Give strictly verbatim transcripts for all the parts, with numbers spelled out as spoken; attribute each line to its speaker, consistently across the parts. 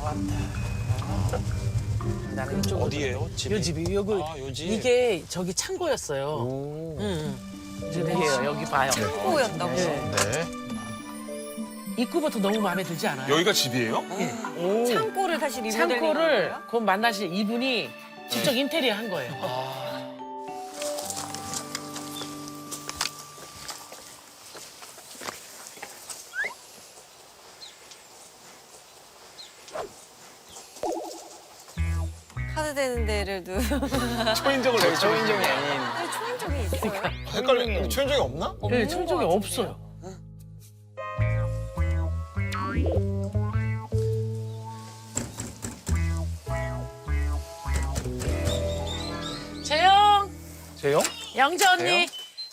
Speaker 1: 왔다. 나는 이쪽
Speaker 2: 어디예요? 집이?
Speaker 1: 요 집이 여기
Speaker 2: 아, 요 집.
Speaker 1: 이게 저기 창고였어요.
Speaker 2: 오.
Speaker 1: 응. 여기에요. 여기 봐요.
Speaker 3: 창고였다고.
Speaker 1: 네.
Speaker 4: 네.
Speaker 1: 입구부터 너무 마음에 들지 않아요?
Speaker 4: 여기가 집이에요?
Speaker 1: 오.
Speaker 3: 창고를 다시 리모델링
Speaker 1: 창고를 곧 만나실 이분이 직접 인테리어 한 거예요.
Speaker 3: 카드 되는 데를 두.
Speaker 4: 초인종을 내고
Speaker 2: 초인종이 아닌.
Speaker 3: 아니, 초인종이 있어요.
Speaker 4: 헷갈려. 초인종이 없나?
Speaker 1: 네, 천정이 없어요. 재영,
Speaker 4: 재영?
Speaker 1: 영재 언니.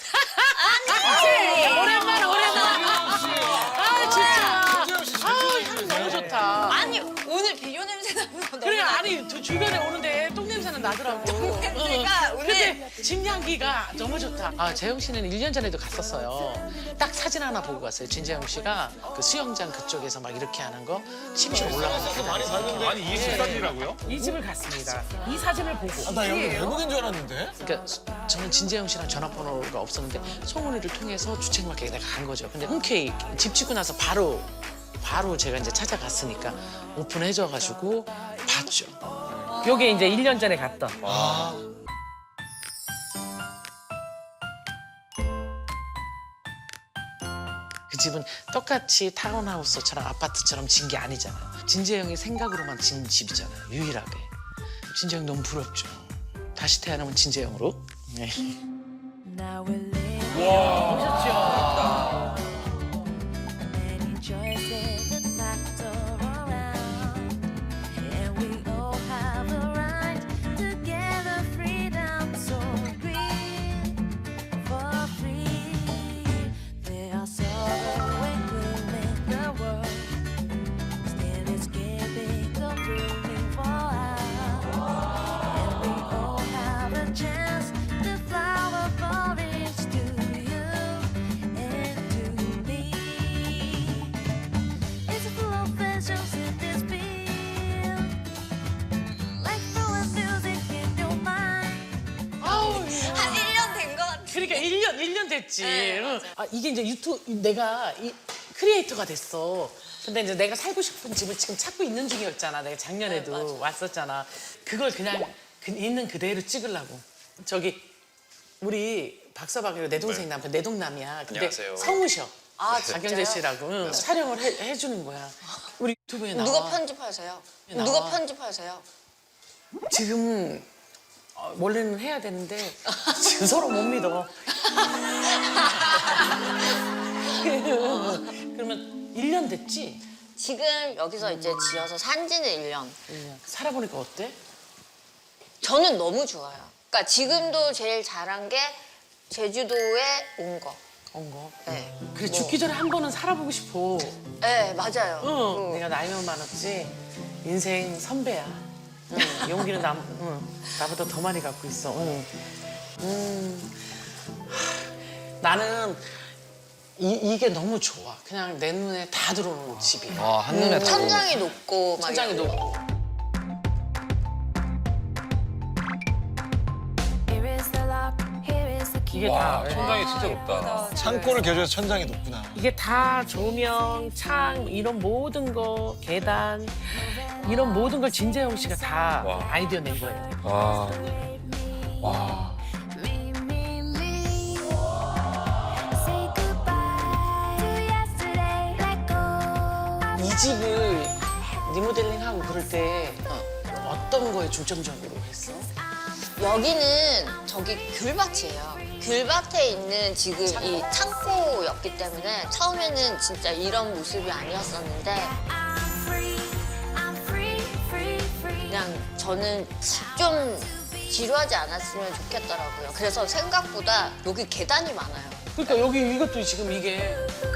Speaker 1: 오랜만, 오랜만. 아 진짜. 아, 향 너무 좋다.
Speaker 3: 아니 오늘 비료 냄새 나면 너무
Speaker 1: 그래
Speaker 3: 나-
Speaker 1: 아니 저 주변에 오는데 똥 냄새는 나더라고.
Speaker 3: 냄새가
Speaker 1: 응.
Speaker 3: 오늘-
Speaker 1: 근데 집 향기가 너무 좋다. 아 재영 씨는 일 년 전에도 갔었어요. 딱 사진 하나 보고 갔어요. 진재영 씨가 그 수영장 그쪽에서 막 이렇게 하는 거 심심 올라가는 계단.
Speaker 4: 아니 이 식사지라고요?
Speaker 1: 이 집을 갔습니다. 이 사진을 보고.
Speaker 4: 나 여기 외국인 줄 알았는데.
Speaker 1: 그러니까 수- 저는 진재영 씨랑 전화번호가 없었는데 송은이를 통해서 주책마켓에 내가 간 거죠. 근데 흔쾌히 집 짓고 나서 바로 바로 제가 이제 찾아갔으니까 오픈해줘가지고 봤죠. 요게 이제 일 년 전에 갔던. 그 집은 똑같이 타운하우스처럼 아파트처럼 진 게 아니잖아요. 진재영이 생각으로만 진 집이잖아요. 유일하게. 진재영 너무 부럽죠. 다시 태어나면 진재영으로. 네. 멋있죠?
Speaker 5: Many choices that factor around, and we all have a right to get the freedom. So agree for free. There are sorrow and gloom in the world, still escaping the ruling for us. And we all have a chance to flower forest to you and to me. It's a full of visions in this field, like flowing music in your mind.
Speaker 1: 아우,
Speaker 3: 한 일 년 된 것 같아.
Speaker 1: 그러니까 일 년, 일 년 됐지.
Speaker 3: 네,
Speaker 1: 응. 아, 이게 이제 유튜브, 내가 이 크리에이터가 됐어. 근데 이제 내가 살고 싶은 집을 지금 찾고 있는 중이었잖아. 내가 작년에도 왔었잖아. 그걸 그냥 그, 있는 그대로 찍으려고. 저기, 우리 박서방이고 내 동생 남편, 내 동남이야. 근데
Speaker 2: 안녕하세요.
Speaker 1: 성우셔.
Speaker 3: 아,
Speaker 1: 박영재
Speaker 3: 진짜요?
Speaker 1: 씨라고. 응. 촬영을 해, 해주는 거야. 우리 유튜브에 나와.
Speaker 3: 누가 편집하세요?
Speaker 1: 나와.
Speaker 3: 누가 편집하세요?
Speaker 1: 지금 어, 원래는 해야 되는데 지금 서로 못 믿어. 그러면 일 년 됐지?
Speaker 3: 지금 여기서 이제 지어서 산 지는 일 년.
Speaker 1: 살아보니까 어때?
Speaker 3: 저는 너무 좋아요. 그러니까 지금도 제일 잘한 게 제주도에 온 거.
Speaker 1: 온 거.
Speaker 3: 네.
Speaker 1: 그래 죽기 전에 한 번은 살아보고 싶어.
Speaker 3: 네, 맞아요.
Speaker 1: 응.
Speaker 3: 응.
Speaker 1: 내가 나이만 많았지 인생 선배야. 응. 용기는 남, 응. 나보다 더 많이 갖고 있어. 응. 음. 하, 나는 이, 이게 너무 좋아. 그냥 내 눈에 다 들어오는 집이야.
Speaker 2: 와, 한눈에 다.
Speaker 3: 천장이 높고 막
Speaker 1: 천장이
Speaker 3: 이런 거.
Speaker 1: 높고.
Speaker 5: Here is the lock, here is the key.
Speaker 1: 이게 다.
Speaker 4: 천장이 진짜 높다. 창고를 개조해서 천장이 높구나.
Speaker 1: 이게 다 조명, 창 이런 모든 거, 계단 이런 모든 걸 진재영 씨가 다
Speaker 4: 와.
Speaker 1: 아이디어 낸 거예요.
Speaker 4: 와. 와.
Speaker 5: Me, me, me. Say goodbye to yesterday. Let go.
Speaker 1: 이 집을 리모델링하고 그럴 때 어떤 거에 중점적으로 했어?
Speaker 3: 여기는 저기 귤밭이에요. 귤밭에 있는 지금 이 창고였기 때문에 처음에는 진짜 이런 모습이 아니었었는데
Speaker 5: I'm free, I'm free, free, free.
Speaker 3: 그냥 저는 좀 지루하지 않았으면 좋겠더라고요. 그래서 생각보다 여기 계단이 많아요.
Speaker 1: 그러니까 여기 이것도 지금 이게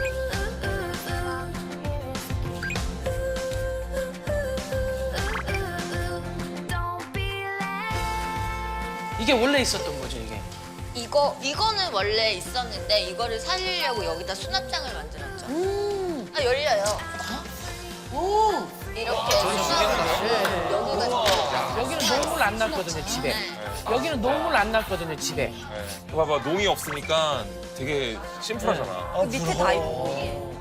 Speaker 5: Don't be late.
Speaker 1: 이게 원래 있었던 거죠 이게.
Speaker 3: 이거 이거는 원래 있었는데 이거를 살리려고 여기다 수납장을 만들었죠.
Speaker 1: 음.
Speaker 3: 아 열려요.
Speaker 1: 오.
Speaker 3: 이렇게 수납
Speaker 1: 안 났거든요, 집에. 여기는 노물 안 났거든요, 집에.
Speaker 2: 네. 봐봐, 농이 없으니까 되게 심플하잖아.
Speaker 4: 아,
Speaker 6: 밑에 다 있고.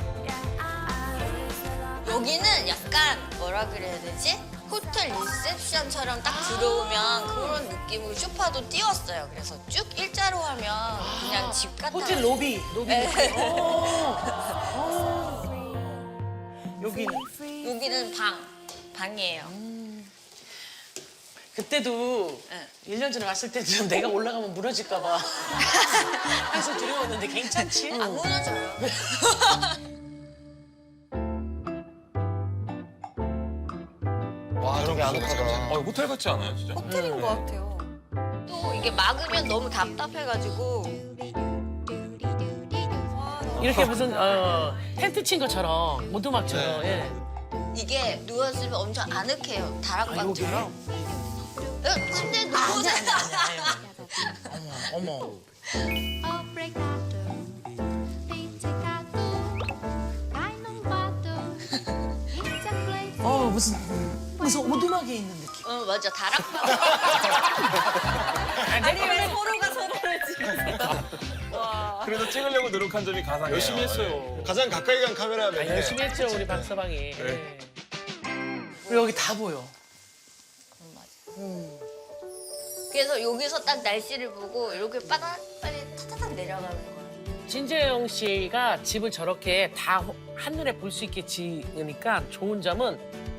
Speaker 3: 여기는 약간 뭐라 그래야 되지? 호텔 리셉션처럼 딱 들어오면 그런 느낌으로 소파도 띄웠어요. 그래서 쭉 일자로 하면 그냥 집 같아.
Speaker 1: 호텔 로비, 로비.
Speaker 3: 네.
Speaker 1: 오. 오. 여기는.
Speaker 3: 여기는 방, 방이에요.
Speaker 1: 그때도
Speaker 3: 네.
Speaker 1: 일 년 전에 왔을 때도 내가 올라가면 무너질까 봐 해서 두려웠는데 괜찮지?
Speaker 3: 안 무너져요.
Speaker 4: 와, 저기
Speaker 2: 아,
Speaker 4: 아늑하다.
Speaker 2: 호텔 같지 않아요, 진짜?
Speaker 6: 호텔인 것 같아요.
Speaker 3: 또 이게 막으면 너무 답답해가지고
Speaker 1: 이렇게 무슨 어, 텐트 친 것처럼 오두막처럼.
Speaker 4: 네.
Speaker 1: 예.
Speaker 3: 이게 누웠으면 엄청 아늑해요.
Speaker 1: 아,
Speaker 3: 다락방처럼.
Speaker 1: 여기요?
Speaker 3: 응, 침대에 누워서
Speaker 1: 어머, 어머.
Speaker 5: Obrigado, pizzicato, cai num vato, pizza plate.
Speaker 1: 어 무슨 무슨 오두막에 있는 느낌.
Speaker 3: 응, 맞아. 다락방.
Speaker 6: 아니 왜 서로가 서로를 지금.
Speaker 2: 그래도 찍으려고 노력한 점이 가상이에요.
Speaker 4: 열심히 했어요. 가장 가까이 간 카메라
Speaker 1: 아,
Speaker 4: 몇 개.
Speaker 1: 열심히 했죠 우리 박서방이. 예. 그리고 여기 다 보여.
Speaker 3: 그래서 여기서 딱 날씨를 보고 이렇게 빠닥빠닥 타타닥 내려가는 거예요.
Speaker 1: 진재영 씨가 집을 저렇게 다 호- 한눈에 볼 수 있게 지으니까 좋은 점은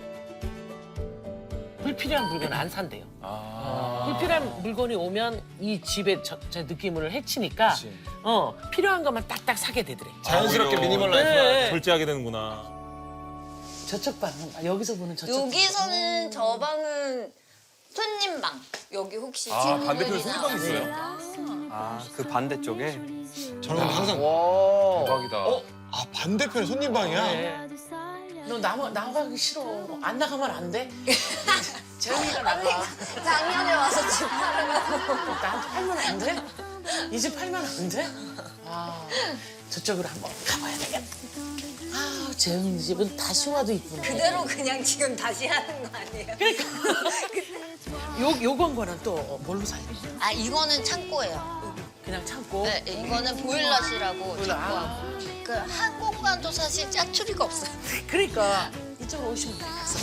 Speaker 1: 불필요한 물건 안 산대요.
Speaker 2: 아.
Speaker 1: 불필요한 물건이 오면 이 집의 저, 저 느낌을 해치니까
Speaker 2: 그치.
Speaker 1: 어 필요한 것만 딱딱 사게 되더래.
Speaker 4: 자연스럽게
Speaker 2: 아,
Speaker 4: 미니멀
Speaker 1: 네.
Speaker 4: 라이프가.
Speaker 2: 절제하게 되는구나.
Speaker 1: 저쪽 방 아, 여기서 보는 저쪽.
Speaker 3: 여기서는 저 방은 손님 방. 여기 혹시
Speaker 2: 아, 반대편에
Speaker 3: 친구들이나
Speaker 2: 손님방 있어요?
Speaker 7: 아, 그 반대쪽에?
Speaker 4: 저런 거 항상.
Speaker 2: 대박이다.
Speaker 4: 어? 아, 반대편에 손님방이야?
Speaker 1: 네. 너 나가 나가기 싫어. 안 나가면 안 돼? 재영이가 나가.
Speaker 3: 작년에 와서 집 팔으라고.
Speaker 1: 나한테 팔면 안 돼? 이 집 팔면 안 돼? 아, 저쪽으로 한번 가봐야 되겠다. 아, 재영이 집은 다시 와도 이쁘네.
Speaker 3: 그대로 그냥 지금 다시 하는 거 아니에요?
Speaker 1: 그러니까. 요, 요건 거는 또 뭘로 살려?
Speaker 3: 아, 이거는 창고예요.
Speaker 1: 그냥 참고.
Speaker 3: 네, 이거는 보일러시라고
Speaker 1: 보일러, 아.
Speaker 3: 창고하고. 그 한 공간도 사실 짜투리가 없어요.
Speaker 1: 그러니까 이쪽으로 오시면 돼. 가서.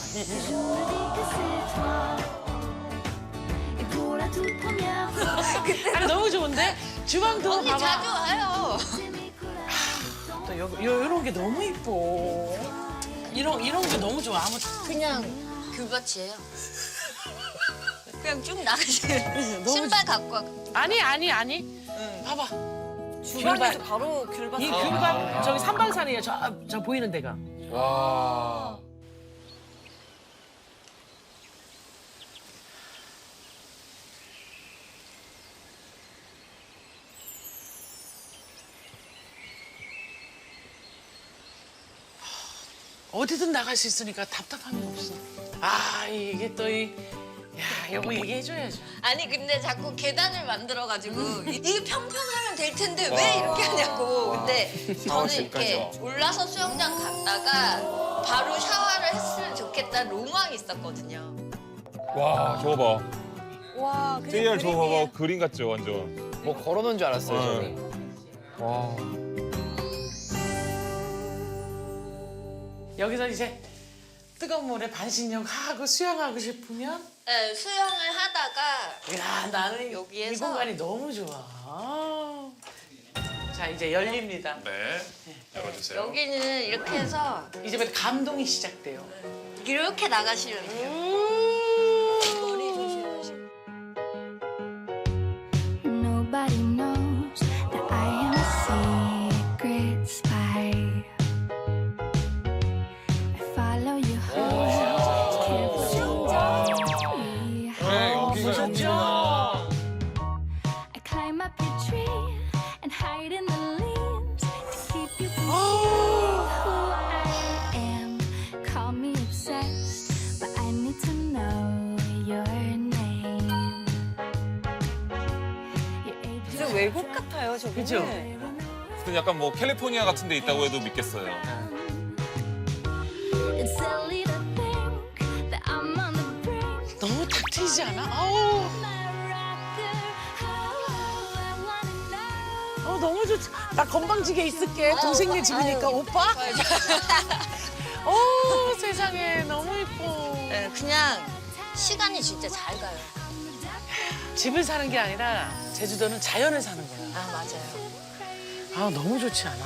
Speaker 5: Et pour la toute première fois,
Speaker 1: 아, 너무 좋은데? 주방도
Speaker 3: 언니 자주
Speaker 1: 봐봐.
Speaker 3: 와요.
Speaker 1: 또 요, 요, 요런 게 너무 이뻐. 이런, 이런 게 너무 좋아. 아무
Speaker 3: 그냥 귤밭이에요. 그냥 쭉 나가시면
Speaker 1: 너무
Speaker 3: 신발 갖고 와.
Speaker 1: 아니, 아니, 아니. 봐봐.
Speaker 6: 주방에서
Speaker 1: 귤밭.
Speaker 6: 바로 귤밭.
Speaker 1: 이 귤밭 저기 삼방산이에요. 저, 아, 저 보이는 데가.
Speaker 2: 와.
Speaker 1: 어디든 나갈 수 있으니까 답답함이 없어. 아, 이게 또 이, 야, 요거 얘기해줘야죠.
Speaker 3: 아니 근데 자꾸 계단을 만들어가지고 이게 평평하면 될 텐데 왜 이렇게 하냐고. 근데 저는 이렇게 올라서 수영장 갔다가 바로 샤워를 했으면 좋겠다는 로망이 있었거든요.
Speaker 2: 와, 저거 봐.
Speaker 6: 와, 그냥
Speaker 2: 제이알 저거
Speaker 6: 그림이에요.
Speaker 2: 봐봐. 그림 같죠, 완전.
Speaker 8: 뭐 걸어놓은 줄 알았어요,
Speaker 2: 네.
Speaker 8: 저는.
Speaker 2: 와.
Speaker 1: 여기서 이제 뜨거운 물에 반신욕 하고 수영하고 싶으면
Speaker 3: 네, 수영을 하다가
Speaker 1: 야, 나는 이
Speaker 3: 여기에서
Speaker 1: 공간이 너무 좋아. 아. 자, 이제 열립니다.
Speaker 2: 네. 열어주세요.
Speaker 3: 여기는 이렇게 해서
Speaker 1: 이제부터 감동이 시작돼요.
Speaker 3: 이렇게 나가시면 돼요. 머리 조심하시고.
Speaker 5: nobody knows that I am a secret spy. I follow you home, carefully.
Speaker 4: 그래, 여기가 여기구나.
Speaker 5: I climb up your tree and hide in the leaves to keep you from seeing who I am. Call me obsessed, but I need to know your name. Your age
Speaker 6: 진짜 외국 같아요, 저기.
Speaker 1: 그죠?
Speaker 2: 무슨 약간 뭐 캘리포니아 같은 데 있다고 해도 믿겠어요.
Speaker 5: It's silly to think that I'm on the brink.
Speaker 1: 너무 탁 트이지 않아? 아우, 어, 너무 좋지. 나 건방지게 있을게. 동생네 집이니까 오빠. 어, 세상에 너무 예뻐.
Speaker 3: 네, 그냥 시간이 진짜 잘 가요.
Speaker 1: 집을 사는 게 아니라 제주도는 자연을 사는 거야.
Speaker 3: 아 맞아요.
Speaker 1: 아, 너무 좋지 않아?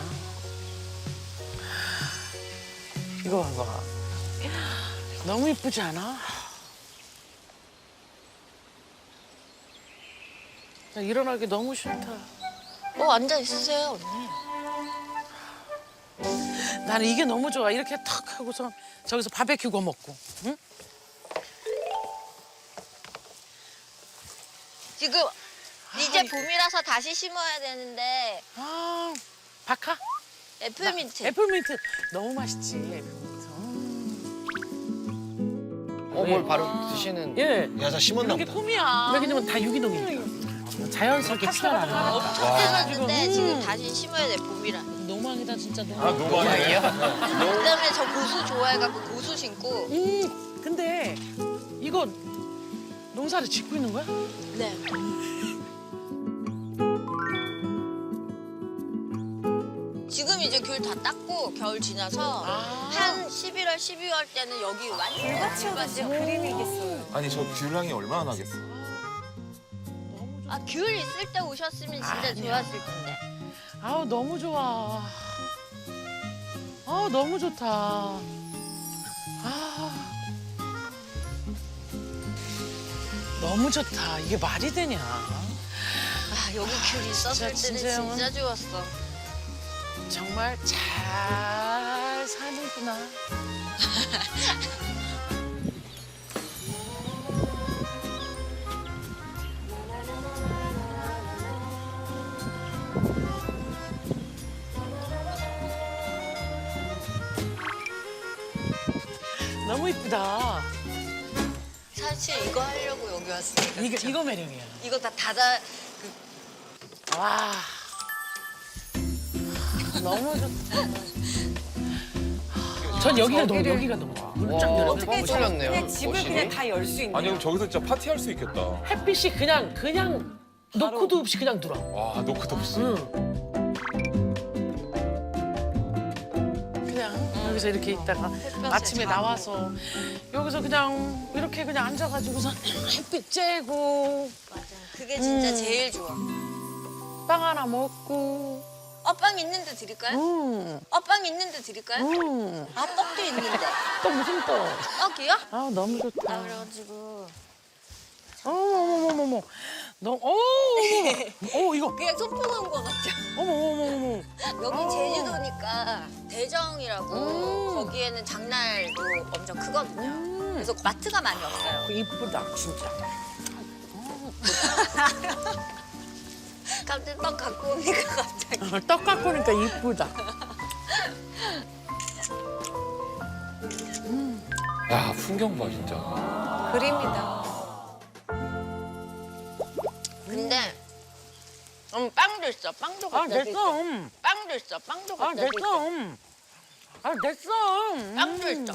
Speaker 1: 이거 봐봐. 너무 예쁘지 않아? 나 일어나기 너무 싫다.
Speaker 3: 어 앉아 있으세요 언니.
Speaker 1: 나는 이게 너무 좋아. 이렇게 탁 하고서 저기서 바베큐 구워 먹고. 응?
Speaker 3: 지금 이제 봄이라서 다시 심어야 되는데
Speaker 1: 아, 박하?
Speaker 3: 애플민트.
Speaker 1: 애플민트. 너무 맛있지, 애플민트.
Speaker 8: 어, 뭘 바로 드시는.
Speaker 1: 예.
Speaker 4: 야자 심었나
Speaker 1: 이런 게
Speaker 4: 보다.
Speaker 1: 꿈이야. 왜냐면 다 유기농이니까. 자연스럽게 피어나는 거니까.
Speaker 3: 해놨는데 지금 다시 심어야 돼 봄이라.
Speaker 1: 노망이다, 진짜
Speaker 2: 아
Speaker 1: 노망.
Speaker 2: 너무 아니에요?
Speaker 3: 그다음에 저 고수 좋아해갖고 고수 심고.
Speaker 1: 음, 근데 이거 농사를 짓고 있는 거야?
Speaker 3: 네. 지금 이제 귤 다 땄고 겨울 지나서
Speaker 1: 아.
Speaker 3: 한 십일월, 십이월 때는 여기 완전
Speaker 6: 진짜 그림이겠어요.
Speaker 2: 아니 저 귤향이 얼마나 나겠어.
Speaker 3: 아, 귤 있을 때 오셨으면 진짜
Speaker 1: 아니야.
Speaker 3: 좋았을 텐데.
Speaker 1: 아우, 너무 좋아. 아우, 너무 좋다. 아. 너무 좋다. 이게 말이 되냐?
Speaker 3: 아, 여기 귤 있었을
Speaker 1: 진짜,
Speaker 3: 때는
Speaker 1: 진짜
Speaker 3: 진짜 좋았어.
Speaker 1: 정말 잘 사는구나. 너무 이쁘다.
Speaker 3: 사실 이거 하려고 여기 왔으니까.
Speaker 1: 이거,
Speaker 3: 그쵸?
Speaker 1: 이거 매력이야.
Speaker 3: 이거 다 닫아.
Speaker 1: 와. 너무 좋다. 전 여기가 너무, 여기가 너무 좋아. 문짝
Speaker 8: 와,
Speaker 1: 열어.
Speaker 8: 어떻게 틀렸네요.
Speaker 6: 그냥 집을
Speaker 8: 거실이.
Speaker 6: 그냥 다 열 수 있는.
Speaker 2: 아니 그럼 저기서 진짜 파티할 수 있겠다.
Speaker 1: 햇빛이 그냥, 그냥 노크도 없이 그냥 들어.
Speaker 2: 와 노크도 없이.
Speaker 1: 응. 그냥 여기서 이렇게 있다가 아침에 나와서 여기서 그냥 이렇게 그냥 앉아가지고서 햇빛 쬐고
Speaker 3: 맞아. 그게 진짜
Speaker 1: 음.
Speaker 3: 제일 좋아.
Speaker 1: 빵 하나 먹고.
Speaker 3: 어, 빵 있는데 드릴까요?
Speaker 1: 음,
Speaker 3: 어, 빵 있는데 드릴까요?
Speaker 1: 음.
Speaker 3: 아, 떡도 있는데.
Speaker 1: 또 무슨 또?
Speaker 3: 떡이요?
Speaker 1: 아, 너무 좋다.
Speaker 3: 아, 그래가지고.
Speaker 1: 어머머머머머. 너, 어, 어머, 어, 이거.
Speaker 3: 그냥 소풍 온 거 같죠?
Speaker 1: 어머, 어머, 어머.
Speaker 3: 여기
Speaker 1: 어.
Speaker 3: 제주도니까 대정이라고
Speaker 1: 음.
Speaker 3: 거기에는 장날도 엄청 크거든요.
Speaker 1: 음.
Speaker 3: 그래서 마트가 많이 없어요.
Speaker 1: 이쁘다, 진짜.
Speaker 3: 갑자기 떡 갖고 오니까 갑자기.
Speaker 1: 떡 갖고 오니까 이쁘다.
Speaker 2: 야 풍경 봐 진짜.
Speaker 6: 그림이다.
Speaker 3: 근데 음, 빵도 있어. 빵도
Speaker 1: 아,
Speaker 3: 갖다
Speaker 1: 됐어.
Speaker 3: 드릴게.
Speaker 1: 음.
Speaker 3: 빵도 있어. 빵도
Speaker 1: 아,
Speaker 3: 갖다 드릴게.
Speaker 1: 됐어. 음. 아, 됐어. 음.
Speaker 3: 빵도 있어.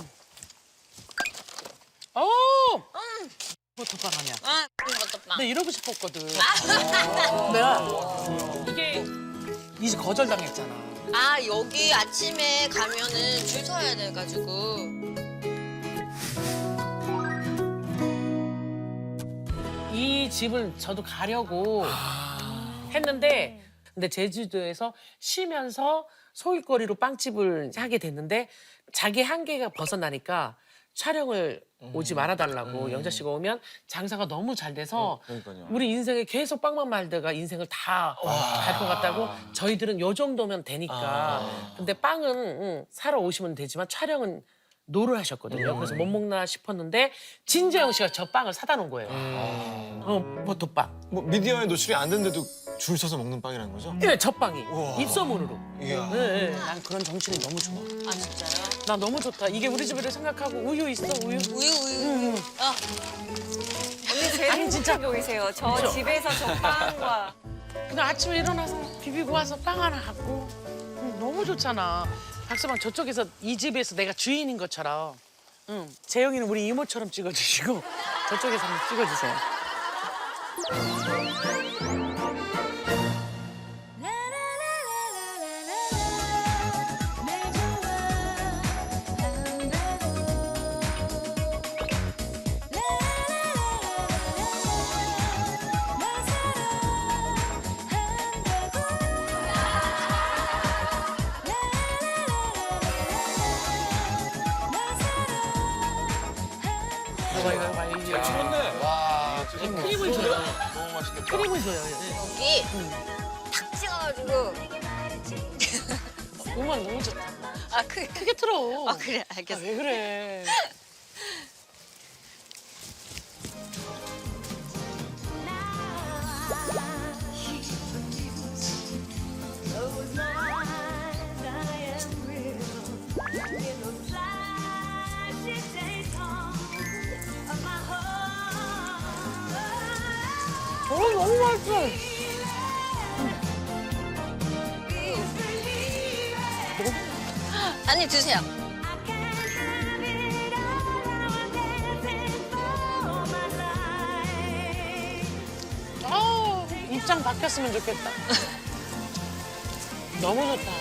Speaker 1: 오! 버터빵 아니야.
Speaker 3: 아, 이것도 빵.
Speaker 1: 나 이러고 싶었거든. 내가 이게 이제 거절당했잖아.
Speaker 3: 아, 여기 아침에 가면은 줄 서야 돼가지고.
Speaker 1: 이 집을 저도 가려고 했는데 근데 제주도에서 쉬면서 소일거리로 빵집을 하게 됐는데 자기 한계가 벗어나니까 촬영을 오지 말아달라고 영자 씨가 오면 장사가 너무 잘 돼서
Speaker 2: 그러니까요.
Speaker 1: 우리 인생에 계속 빵만 말다가 인생을 다 갈 것 같다고 저희들은 요 정도면 되니까 근데 빵은 응, 사러 오시면 되지만 촬영은 노를 하셨거든요. 그래서 못 먹나 싶었는데 진재영 씨가 저 빵을 사다 놓은 거예요. 어, 버터빵.
Speaker 4: 뭐 미디어에 노출이 안 됐는데도 줄 서서 먹는 빵이라는 거죠?
Speaker 1: 예, 저 빵이
Speaker 4: 우와.
Speaker 1: 입소문으로.
Speaker 4: 이야.
Speaker 1: 예, 예. 난 그런 정신이 너무 좋아.
Speaker 3: 아, 진짜요?
Speaker 1: 나 너무 좋다. 이게 우리 집을 생각하고 우유 있어, 우유.
Speaker 3: 우유, 우유, 우유. 아,
Speaker 6: 언니 제일
Speaker 1: 아니, 진짜.
Speaker 6: 행복해 보이세요. 저
Speaker 1: 그쵸?
Speaker 6: 집에서 저 빵과.
Speaker 1: 그냥 아침에 일어나서 비비고 와서 빵 하나 갖고 음, 너무 좋잖아. 박서방 저쪽에서 이 집에서 내가 주인인 것처럼 응. 재영이는 우리 이모처럼 찍어주시고 저쪽에서 한번 찍어주세요. 이거 이거 봐 이게
Speaker 2: 찍었네.
Speaker 4: 와,
Speaker 1: 크림을 줘요.
Speaker 2: 너무 맛있겠다.
Speaker 1: 크림을 줘요.
Speaker 3: 여기 탁 찍어가지고.
Speaker 1: 음악 너무 좋다.
Speaker 3: 아 그게
Speaker 1: 크게 틀어.
Speaker 3: 아 그래
Speaker 1: 아,
Speaker 3: 알겠어.
Speaker 1: 왜 그래? 어, 너무 맛있어.
Speaker 3: 아니 드세요.
Speaker 1: 아, 입장 바뀌었으면 좋겠다. 너무 좋다.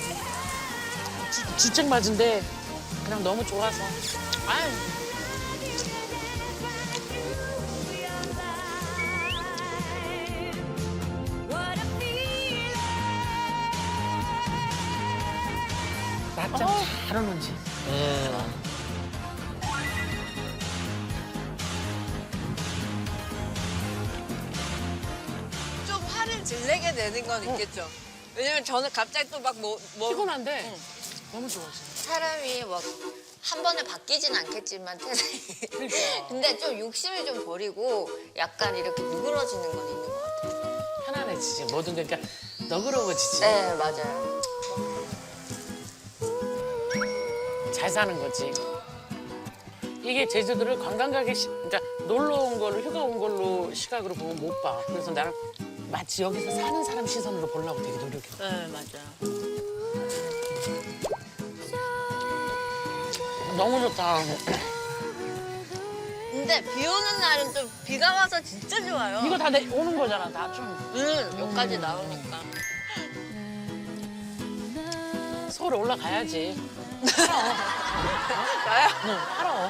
Speaker 1: 주- 주책 맞은데 그냥 너무 좋아서. 아유. 낮잠 잘 오는지.
Speaker 3: 좀 화를 질내게 되는 건 있겠죠. 왜냐면 저는 갑자기 또 막 뭐, 뭐
Speaker 1: 피곤한데 너무 좋아. 진짜.
Speaker 3: 사람이 뭐 한 번에 바뀌진 않겠지만 태생이.
Speaker 1: 그러니까.
Speaker 3: 근데 좀 욕심을 좀 버리고 약간 이렇게 누그러지는 건 있는 것 같아요.
Speaker 1: 편안해지지. 뭐든 그러니까 너그러워지지.
Speaker 3: 네 맞아요.
Speaker 1: 잘 사는 거지. 이게 제주도를 관광 가게 시, 그러니까 놀러 온 걸로 휴가 온 걸로 시각으로 보면 못 봐. 그래서 나는 마치 여기서 사는 사람 시선으로 보려고 되게 노력해.
Speaker 3: 네 맞아요.
Speaker 1: 너무 좋다.
Speaker 3: 근데 비 오는 날은 좀 비가 와서 진짜 좋아요.
Speaker 1: 이거 다 내, 오는 거잖아, 다 좀.
Speaker 3: 응 여기까지 나오니까.
Speaker 1: 서울 올라가야지.
Speaker 3: 나요?
Speaker 1: 응, 팔어.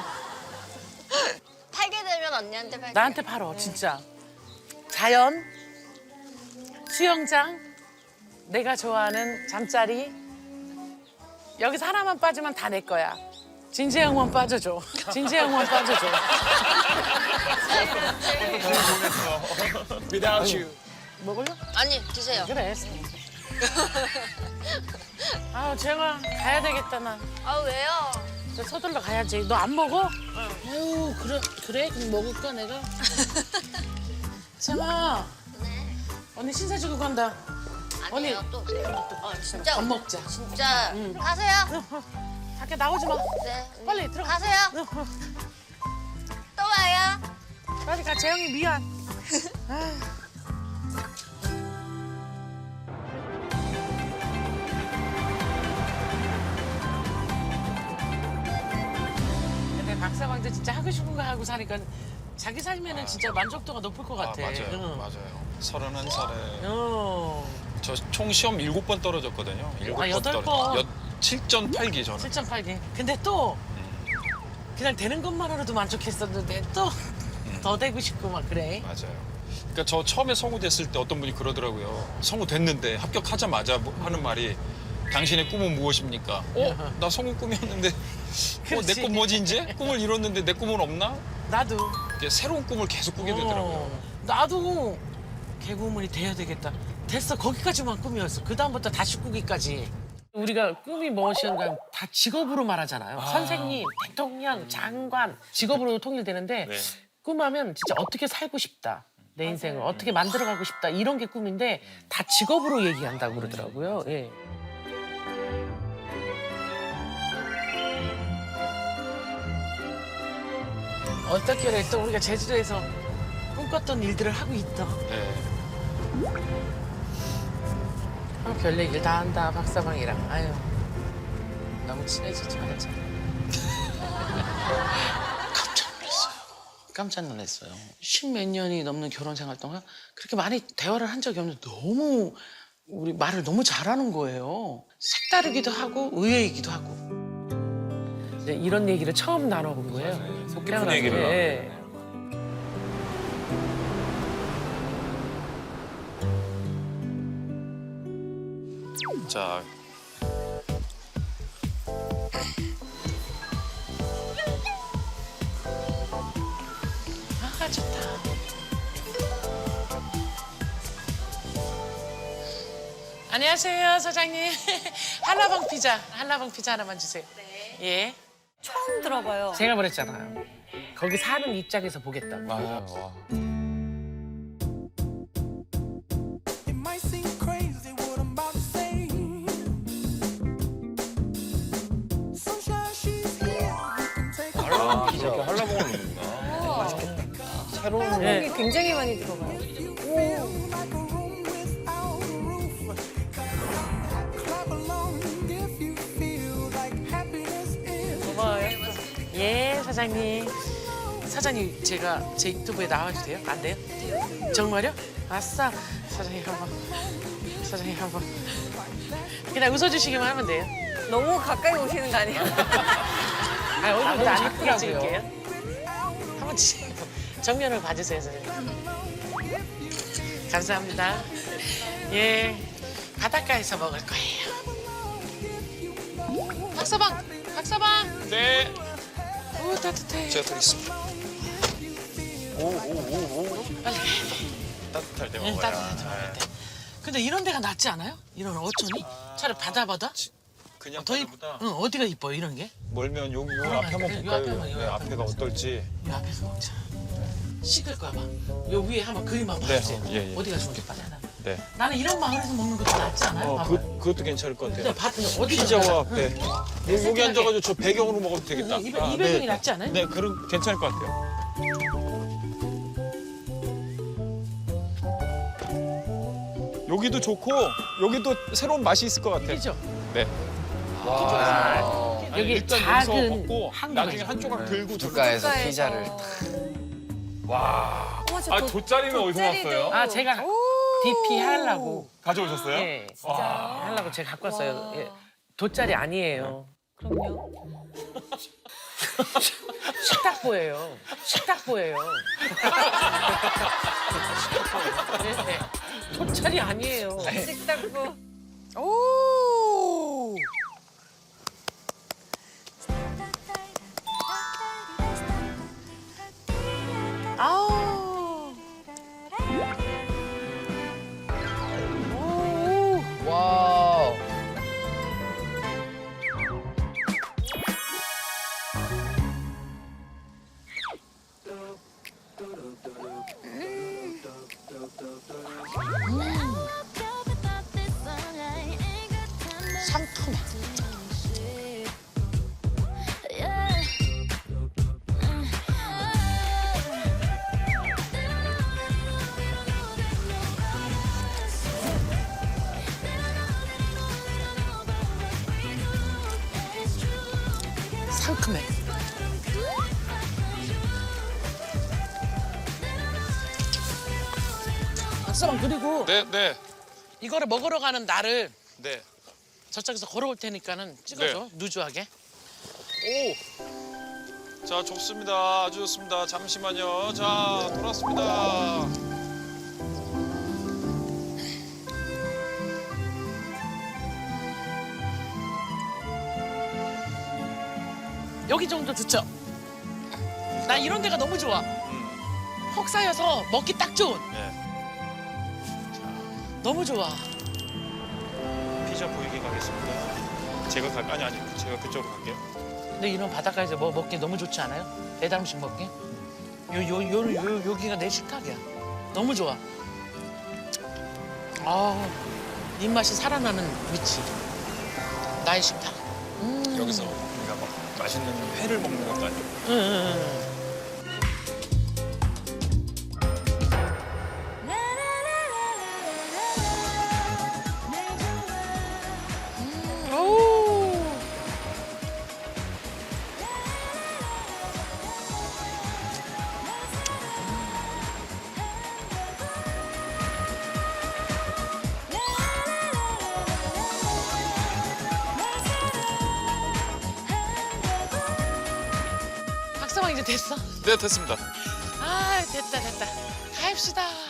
Speaker 3: 팔게 되면 언니한테 팔게.
Speaker 1: 나한테 팔어, 진짜. 자연, 수영장, 내가 좋아하는 잠자리. 여기서 하나만 빠지면 다 내 거야. 진재영만 빠져줘. 진재영만 빠져줘.
Speaker 4: Without you.
Speaker 1: 먹을래?
Speaker 3: 아니 드세요.
Speaker 1: 그래. 아, 재영아, 가야 되겠다, 나.
Speaker 3: 아 왜요?
Speaker 1: 저 서둘러 가야지. 너 안 먹어? 아유, 그래, 그래? 그럼 먹을까, 내가? 재영아,
Speaker 3: 네.
Speaker 1: 언니 신사 주고 간다.
Speaker 3: 아니에요
Speaker 1: 언니.
Speaker 3: 또 드세요. 어 진짜
Speaker 1: 밥 먹자.
Speaker 3: 진짜 가세요.
Speaker 1: 밖에 나오지 마.
Speaker 3: 네. 언니.
Speaker 1: 빨리 들어가.
Speaker 3: 가세요. 또 와요.
Speaker 1: 빨리 가, 재영이 미안. 근데 박사방도 진짜 하고 싶은 거 하고 사니까 자기 삶에는 진짜 만족도가 높을 것
Speaker 2: 아,
Speaker 1: 같아.
Speaker 2: 맞아요.
Speaker 1: 응.
Speaker 2: 맞아요. 서른한 살에
Speaker 1: 어.
Speaker 2: 저 총 시험 일곱 번 떨어졌거든요. 일곱
Speaker 1: 아, 여덟
Speaker 2: 떨어졌-
Speaker 1: 번.
Speaker 2: 여- 칠 점 팔 기 저는.
Speaker 1: 칠 점 팔 개. 근데 또 그냥 되는 것만으로도 만족했었는데 또 더 되고 싶고 막 그래.
Speaker 2: 맞아요. 그러니까 저 처음에 성우 됐을 때 어떤 분이 그러더라고요. 성우 됐는데 합격하자마자 뭐 하는 말이 당신의 꿈은 무엇입니까? 어? 나 성우 꿈이었는데 어,
Speaker 1: 그렇지.
Speaker 2: 내 꿈 뭐지 이제? 꿈을 이뤘는데 내 꿈은 없나?
Speaker 1: 나도.
Speaker 2: 이렇게 새로운 꿈을 계속 꾸게 되더라고요.
Speaker 1: 어, 나도 개그우먼이 돼야 되겠다. 됐어. 거기까지만 꿈이었어. 그 다음부터 다시 꾸기까지. 우리가 꿈이 무엇이었는가 다 직업으로 말하잖아요. 선생님, 대통령, 장관 직업으로 통일되는데
Speaker 2: 네.
Speaker 1: 꿈하면 진짜 어떻게 살고 싶다. 내 인생을 어떻게 만들어가고 싶다. 이런 게 꿈인데 다 직업으로 얘기한다고 그러더라고요. 예. 어떻게 또 우리가 제주도에서 꿈꿨던 일들을 하고 있다.
Speaker 2: 네.
Speaker 1: 아, 별 얘기를 다 한다, 박사방이랑. 아유, 너무 친해지지 말자. 깜짝 놀랐어요. 깜짝 놀랐어요. 십몇 년이 넘는 결혼 생활 동안 그렇게 많이 대화를 한 적이 없는데 너무 우리 말을 너무 잘하는 거예요. 색다르기도 하고 의외이기도 하고. 이제 이런 얘기를 처음 나눠본 거예요. 속
Speaker 2: 깊은 얘기를
Speaker 1: 예.
Speaker 2: 자,
Speaker 1: 아 좋다. 안녕하세요 사장님. 한라봉 피자, 한라봉 피자 하나만 주세요. 네. 예.
Speaker 6: 처음 들어봐요.
Speaker 1: 제가 그랬잖아요. 거기 사는 입장에서 보겠다고.
Speaker 2: 맞아요. 와.
Speaker 9: It might seem crazy what I'm about to say. Sunshine, she's here. You can take a
Speaker 2: 아, 그렇게 한라봉을 넣는구나.
Speaker 8: 새로운
Speaker 1: 네.
Speaker 6: 굉장히 많이 들어가요.
Speaker 9: like a room without a roof. Clap along if you feel like happiness is.
Speaker 1: 고마워요. 예, 사장님. 사장님, 제가 제 유튜브에 나와도 돼요? 안 돼요? 정말요? 아싸. 사장님 한번. 사장님 한번. 그냥 웃어주시기만 하면 돼요.
Speaker 6: 너무 가까이 오시는 거 아니에요?
Speaker 1: 아, 얼굴도 안 예쁘게 찍을게요. 한번 치 정면을 봐주세요, 사장님. 감사합니다. 예, 바닷가에서 먹을 거예요. 박서방, 박서방.
Speaker 2: 네,
Speaker 1: 오, 따뜻해.
Speaker 2: 제가 드리겠습니다. 오오오오.
Speaker 1: 빨리.
Speaker 2: 따뜻할 때
Speaker 1: 응,
Speaker 2: 먹어야.
Speaker 1: 따뜻하게 먹을 때. 근데 이런 데가 낫지 않아요? 이런 어촌이? 차라리 바다 바다?
Speaker 2: 그냥
Speaker 1: 더 이,
Speaker 2: 바다보다
Speaker 1: 응, 어디가 이뻐요, 이런 게?
Speaker 2: 멀면 요, 요
Speaker 1: 아,
Speaker 2: 앞에 한번
Speaker 1: 그래, 요
Speaker 2: 볼까요?
Speaker 1: 앞에 한번, 요
Speaker 2: 네,
Speaker 1: 앞에
Speaker 2: 앞에가
Speaker 1: 한번
Speaker 2: 어떨지.
Speaker 1: 이 앞에서 먹자. 식을 거야 봐. 요 위에 한번 그림 한번
Speaker 2: 네,
Speaker 1: 봐주세요.
Speaker 2: 예, 예.
Speaker 1: 어디가 좋을지 바나나.
Speaker 2: 네.
Speaker 1: 나는 이런 마을에서 먹는 것도 낫지 않아요?
Speaker 2: 어,
Speaker 1: 봐봐요.
Speaker 2: 그, 그것도 괜찮을 것 같아요.
Speaker 1: 근데 밭 어디
Speaker 2: 피자와 앞에. 요- 여기
Speaker 1: 세팅하게.
Speaker 2: 앉아가지고 저 배경으로 먹어도 되겠다.
Speaker 1: 응, 이- 이 배경이 낫지 않아요?
Speaker 2: 네, 그럼 괜찮을 것 같아요. 여기도 좋고 여기도 새로운 맛이 있을 것 같아요.
Speaker 1: 그죠?
Speaker 2: 네. 아니,
Speaker 1: 여기
Speaker 2: 일단
Speaker 1: 작은
Speaker 2: 여기서 먹고
Speaker 1: 항구가
Speaker 2: 나중에 한 조각 들고
Speaker 8: 국가에서
Speaker 6: 국가에서.
Speaker 8: 피자를
Speaker 2: 와.
Speaker 6: 어머, 저
Speaker 2: 아
Speaker 6: 돗-
Speaker 2: 돗자리는 어디서
Speaker 6: 돗자리도.
Speaker 2: 났어요?
Speaker 1: 아 제가 디피 하려고.
Speaker 2: 가져오셨어요?
Speaker 1: 예. 하려고 제가 갖고 왔어요. 예. 돗자리 아니에요.
Speaker 6: 그럼요.
Speaker 1: 식탁보예요. 식탁보예요. 네, 네. 돗자리 아니에요.
Speaker 6: 식탁보.
Speaker 1: 오. 아우. 오.
Speaker 8: 와우.
Speaker 1: 상큼해. 상큼해. 박사방 그리고
Speaker 2: 네, 네,
Speaker 1: 이거를 먹으러 가는 날을
Speaker 2: 네.
Speaker 1: 저쪽에서 걸어올 테니까는 찍어줘. 누주하게.
Speaker 2: 오. 자, 좋습니다. 아주 좋습니다. 잠시만요. 자, 돌아왔습니다.
Speaker 1: 여기 정도 좋죠? 나 이런 데가 너무 좋아. 혹 쌓여서 먹기 딱 좋은.
Speaker 2: 네.
Speaker 1: 너무 좋아.
Speaker 2: 피자 보이게 가겠습니다. 제가 갈 아니 아니 제가 그쪽으로 갈게요.
Speaker 1: 근데 이런 바닷가에서 뭐 먹기 너무 좋지 않아요? 배달 음식 먹기? 요, 요, 요, 요, 여기가 내 식탁이야. 너무 좋아. 아, 입맛이 살아나는 위치. 나의 식탁. 음.
Speaker 2: 여기서 우리가 막 맛있는 회를 먹는 것도 아니고.
Speaker 1: 응, 응, 응. 오. 가방 이제 됐어?
Speaker 2: 네, 됐습니다.
Speaker 1: 아 됐다 됐다. 가입시다.